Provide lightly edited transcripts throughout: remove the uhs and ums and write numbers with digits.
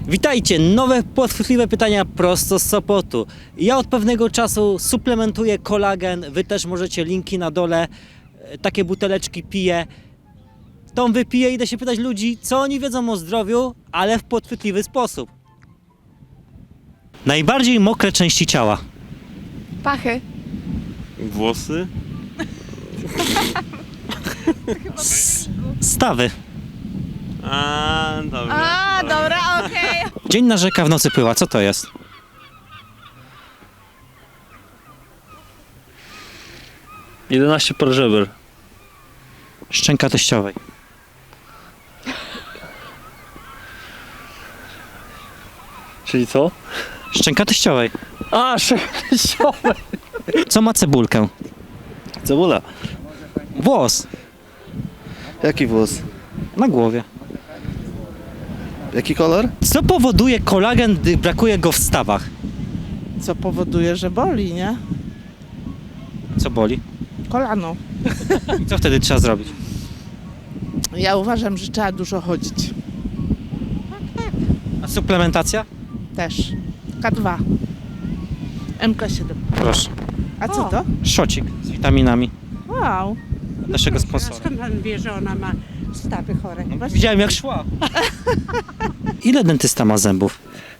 Witajcie, nowe podchwytliwe pytania prosto z Sopotu. Ja od pewnego czasu suplementuję kolagen, wy też możecie, linki na dole. Takie buteleczki piję. Tą wypiję i idę się pytać ludzi, co oni wiedzą o zdrowiu, ale w podchwytliwy sposób. Najbardziej mokre części ciała. Pachy. Włosy? Stawy. Dobra. A, dobra, okej. Dzień narzeka, w nocy pływa. Co to jest? Okay. 11 par żeber. Szczęka teściowej. Czyli co? Szczęka teściowej. A, sześciowe. Co ma cebulkę? Cebula. Włos. Jaki włos? Na głowie. Jaki kolor? Co powoduje kolagen, gdy brakuje go w stawach? Co powoduje, że boli, nie? Co boli? Kolano. I co wtedy trzeba zrobić? Ja uważam, że trzeba dużo chodzić. A suplementacja? Też. K2. MK7. Proszę. A co to? Szocik z witaminami Wow. od naszego sponsora. Skąd pan wie, że ona ma stawy chore? Widziałem jak szła. Ile dentysta ma zębów?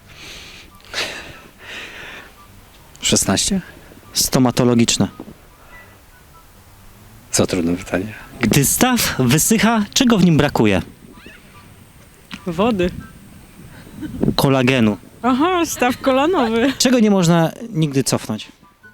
16? Stomatologiczne. Co trudne pytanie. Gdy staw wysycha, czego w nim brakuje? Wody. Kolagenu. Aha, staw kolanowy. Czego nie można nigdy cofnąć?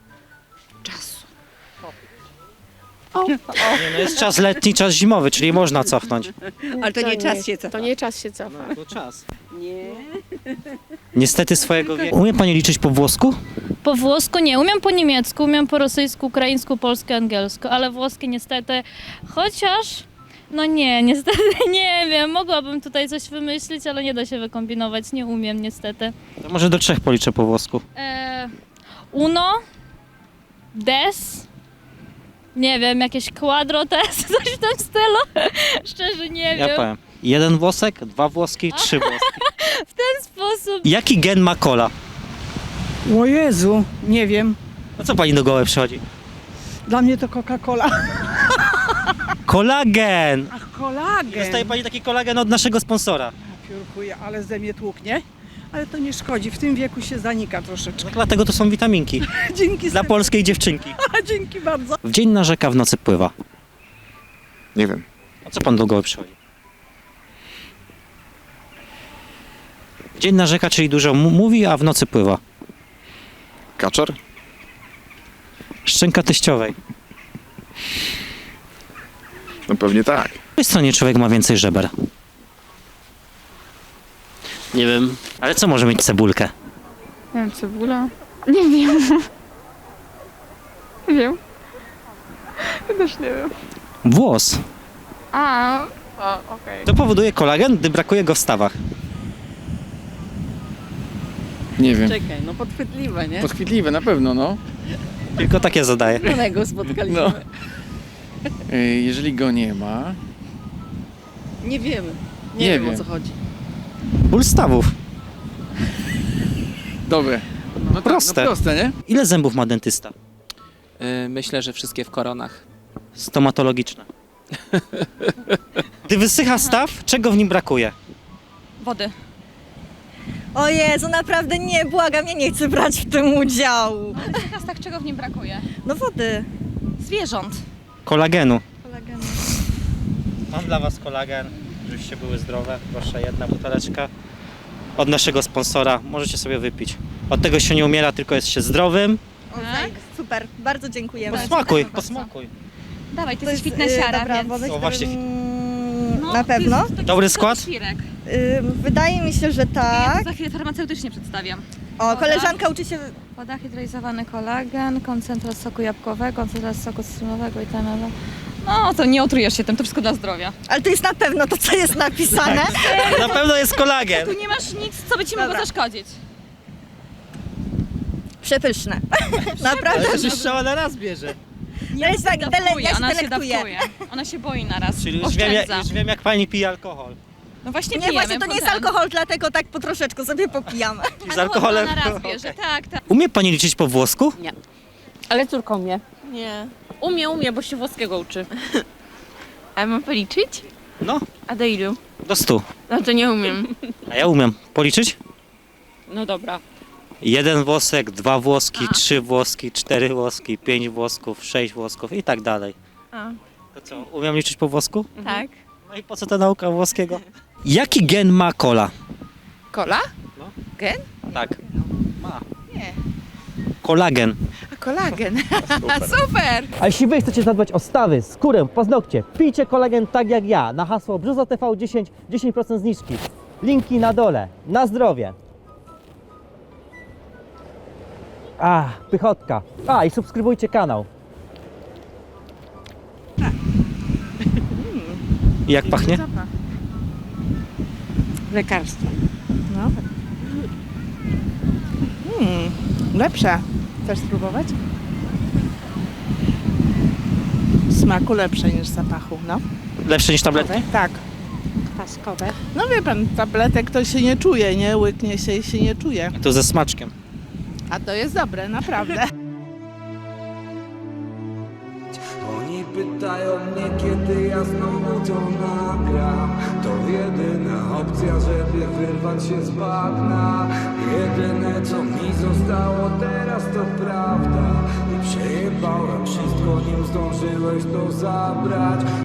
Nie, no jest czas letni, czas zimowy, czyli można cofnąć. Ale to nie czas się cofa. To nie czas się cofa. To czas. Nie. Niestety swojego wieku. Umie pani liczyć po włosku? Po włosku nie, umiem po niemiecku, umiem po rosyjsku, ukraińsku, polsku, angielsku, ale włoskie niestety, chociaż, no nie, niestety nie wiem, mogłabym tutaj coś wymyślić, ale nie da się wykombinować, nie umiem niestety. To może do 3 policzę po włosku. Uno, des, nie wiem, jakieś quadrotes, coś w tym stylu, szczerze nie Ja wiem, powiem. 1 włosek, 2 włoski, 3 włoski. w ten sposób. Jaki gen ma kola? O Jezu, nie wiem. No co pani do głowy przychodzi? Dla mnie to Coca-Cola. Kolagen! Ach, kolagen. Dostaje pani taki kolagen od naszego sponsora. Piórkuję, ale ze mnie tłuknie. Ale to nie szkodzi, w tym wieku się zanika troszeczkę. No, dlatego to są witaminki. Dzięki Dla polskiej dziewczynki. Dzięki bardzo. W dzień narzeka, w nocy pływa. Nie wiem. A co pan do głowy przychodzi? W dzień narzeka, czyli dużo mówi, a w nocy pływa. Kaczor? Szczęka teściowej. No pewnie tak. Po której stronie człowiek ma więcej żeber? Nie wiem. Ale co może mieć cebulkę? Nie wiem, cebula? Nie wiem. Nie wiem. Też nie wiem. Włos. Okej. To powoduje kolagen, gdy brakuje go w stawach. Nie wiem. Czekaj, no podchwytliwe, nie? Podchwytliwe na pewno, no. Tylko takie zadaję. Konego spotkaliśmy. No. Jeżeli go nie ma, Nie wiemy. Nie, Nie wiem, wiem. o co chodzi. Ból stawów. dobre. No Proste. Tak, no proste, nie? Ile zębów ma dentysta? Myślę, że wszystkie w koronach. Stomatologiczne. Gdy wysycha staw, czego w nim brakuje? Wody. O Jezu, naprawdę nie, błagam, ja nie chcę brać w tym udziału. Teraz tak, czego w nim brakuje? No wody. Zwierząt. Kolagenu. Kolagenu. Mam dla was kolagen, żebyście były zdrowe. Proszę, 1 buteleczka. Od naszego sponsora. Możecie sobie wypić. Od tego się nie umiera, tylko jest się zdrowym. O, tak? Super, bardzo dziękujemy. Posmakuj, posmakuj. Dawaj, ty To jesteś jest, fitnessiara, dobra, więc... woda, O, właśnie. Na pewno? Dobry skład? Wydaje mi się, że Ja tak. to za chwilę farmaceutycznie przedstawiam. O, koleżanka uczy się... Woda, hydrolizowany kolagen, koncentrat soku jabłkowego, koncentrat soku cytrynowego i tanelu. No, to nie otrujesz się tym, to wszystko dla zdrowia. Ale to jest na pewno to, co jest napisane. Na pewno jest kolagen. Tu nie masz nic, co by ci mogło Dobra. zaszkodzić. Przepyszne. Naprawdę. Strzała na raz bierze. Ja się tak Dawkuje, ja się ona się delektuję. dawkuje. Ona się boi naraz. Czyli Oszczędza. już wiem jak pani pije alkohol. No właśnie Nie, właśnie to nie jest alkohol, dlatego tak po troszeczku sobie popijamy. Z alkoholem. Na raz bierze, tak. Umie pani liczyć po włosku? Ale córką mnie. Nie. Umie, bo się włoskiego uczy. A mam policzyć? No, A do ilu? do 100. No to nie umiem. A ja umiem. Policzyć? No dobra. 1 włosek, 2 włoski, 3 włoski, 4 włoski, 5 włosków, 6 włosków i tak dalej. A. To co, umiem liczyć po włosku? Tak. No i po co ta nauka włoskiego? Jaki gen ma kola? Kola? Tak. Ma. Nie. Kolagen. A kolagen. Super. A jeśli wy chcecie zadbać o stawy, skórę, paznokcie, pijcie kolagen tak jak ja. Na hasło Brzuzo TV10 10% zniżki. Linki na dole. Na zdrowie. Pychotka. I subskrybujcie kanał. I jak pachnie? Zapach. Lekarstwo. No. Lepsze. Chcesz spróbować? Smaku lepsze niż zapachu, no. Lepsze niż tabletki? Tak. Paskowe. No wie pan, tabletek to się nie czuje, nie? Łyknie się i się nie czuje. To ze smaczkiem. A to jest dobre, naprawdę. Oni pytają mnie, kiedy ja znowu to nagram. To jedyna opcja, żeby wyrwać się z bagna. Jedyne co mi zostało teraz to prawda. I przejebałem wszystko, nim zdążyłeś to zabrać.